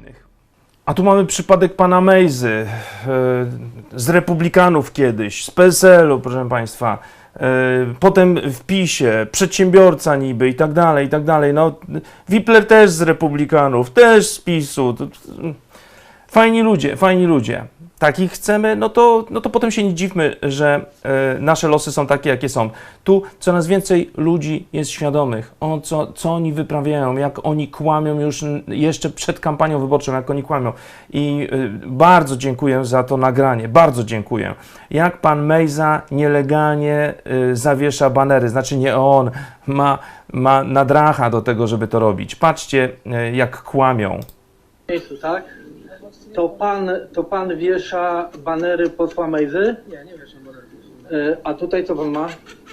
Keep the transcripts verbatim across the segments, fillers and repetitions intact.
A tu mamy przypadek pana Mejzy, z Republikanów kiedyś, z P S L u, proszę państwa, potem w PiSie, przedsiębiorca niby i tak dalej, i tak dalej. No, Wipler też z Republikanów, też z PiSu. Fajni ludzie, fajni ludzie. Takich chcemy, no to, no to potem się nie dziwmy, że e, nasze losy są takie, jakie są. Tu coraz więcej ludzi jest świadomych, o co, co oni wyprawiają, jak oni kłamią już jeszcze przed kampanią wyborczą, jak oni kłamią. I e, bardzo dziękuję za to nagranie, bardzo dziękuję. Jak pan Mejza nielegalnie e, zawiesza banery, znaczy nie on, ma, ma nadracha do tego, żeby to robić. Patrzcie, e, jak kłamią. Tak? To pan, to pan wiesza banery posła Mejzy? Nie, nie wieszam banerów. E, A tutaj co pan ma?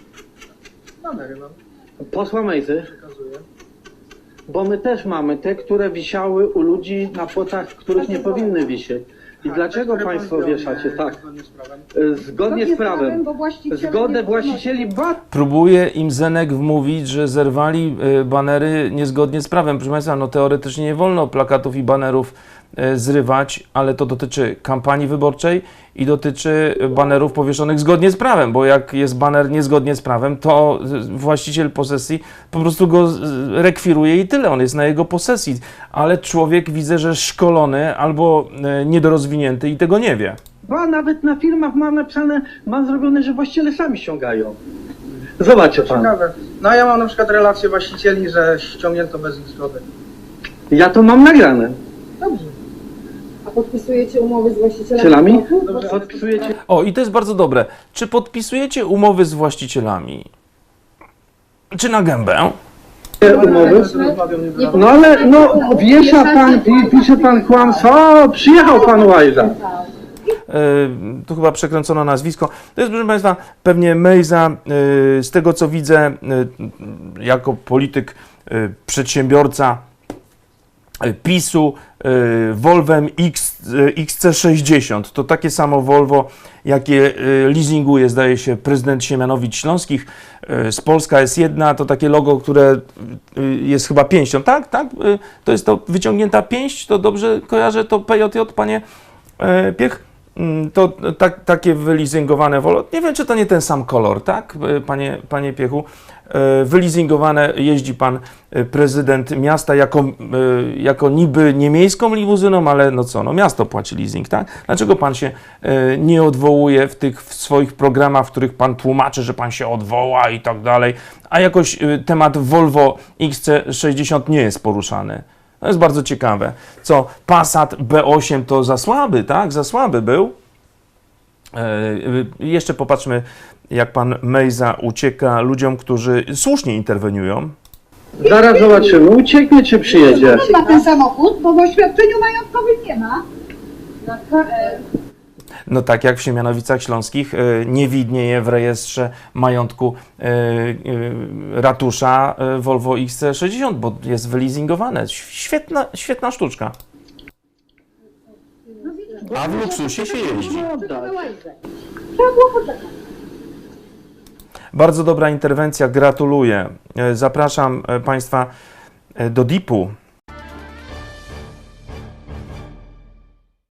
Banery mam, Posła Mejzy? przekazuję. Bo my też mamy te, które wisiały u ludzi na płotach, których nie powinny wisieć. I Tak, dlaczego te, które państwo pan zdjął, wieszacie? nie, Tak. Zgodnie z prawem. E, Zgodnie z prawem. bo właściciele Zgodę nie właścicieli ba... Próbuje im Zenek wmówić, że zerwali y, banery niezgodnie z prawem. Proszę Państwa, no teoretycznie nie wolno plakatów i banerów y, zrywać, ale to dotyczy kampanii wyborczej i dotyczy banerów powieszonych zgodnie z prawem, bo jak jest baner niezgodnie z prawem, to y, właściciel posesji po prostu go y, rekwiruje i tyle, on jest na jego posesji. Ale człowiek, widzę, że szkolony albo y, niedorozwinięty i tego nie wie. Ba, nawet na filmach mam napisane, mam zrobione, że właściciele sami ściągają. Zobaczcie pan. Ciekawe. No a ja mam na przykład relację właścicieli, że ściągnięto bez ich zgody. Ja to mam nagrane. Dobrze. A podpisujecie umowy z właścicielami? Cielami? Dobrze. Podpisujecie O, i to jest bardzo dobre. Czy podpisujecie umowy z właścicielami? Czy na gębę? umowy? No ale, no, wiesza pan, pi- pisze pan kłamstwo, o, przyjechał pan Łajza. Yy, tu chyba przekręcono nazwisko. To jest, proszę Państwa, pewnie Mejza, yy, z tego co widzę, yy, jako polityk, yy, przedsiębiorca yy, PiSu, yy, Volvem X, yy, X C sześćdziesiąt. To takie samo Volvo, jakie yy, leasinguje, zdaje się, prezydent Siemianowicz Śląskich. Yy, z Polska S jeden, to takie logo, które yy, jest chyba pięścią. Tak, tak? Yy, to jest to wyciągnięta pięść, to dobrze kojarzę, to P J J, panie yy, Piech? To tak, takie wyleasingowane Volvo, nie wiem, czy to nie ten sam kolor, tak, panie, panie Piechu? Wyleasingowane, jeździ pan prezydent miasta jako, jako niby nie miejską limuzyną, ale no co, no miasto płaci leasing, tak? Dlaczego pan się nie odwołuje w tych w swoich programach, w których pan tłumaczy, że pan się odwoła i tak dalej, a jakoś temat Volvo X C sześćdziesiąt nie jest poruszany? To jest bardzo ciekawe. Co, Passat B osiem to za słaby, tak? Za słaby był. E, jeszcze popatrzmy, jak pan Mejza ucieka ludziom, którzy słusznie interweniują. Zaraz zobaczymy, ucieknie czy przyjedzie. Ma ten samochód, bo w oświadczeniu majątkowym nie ma. No tak jak w Siemianowicach Śląskich e, nie widnieje w rejestrze majątku e, e, ratusza e, Volvo X C sześćdziesiąt, bo jest wyleasingowane. Świetna, świetna sztuczka. A w luksusie się jeździ. Trzeba było poczekać. Bardzo dobra interwencja, gratuluję. E, Zapraszam e, Państwa e, do D I P-u.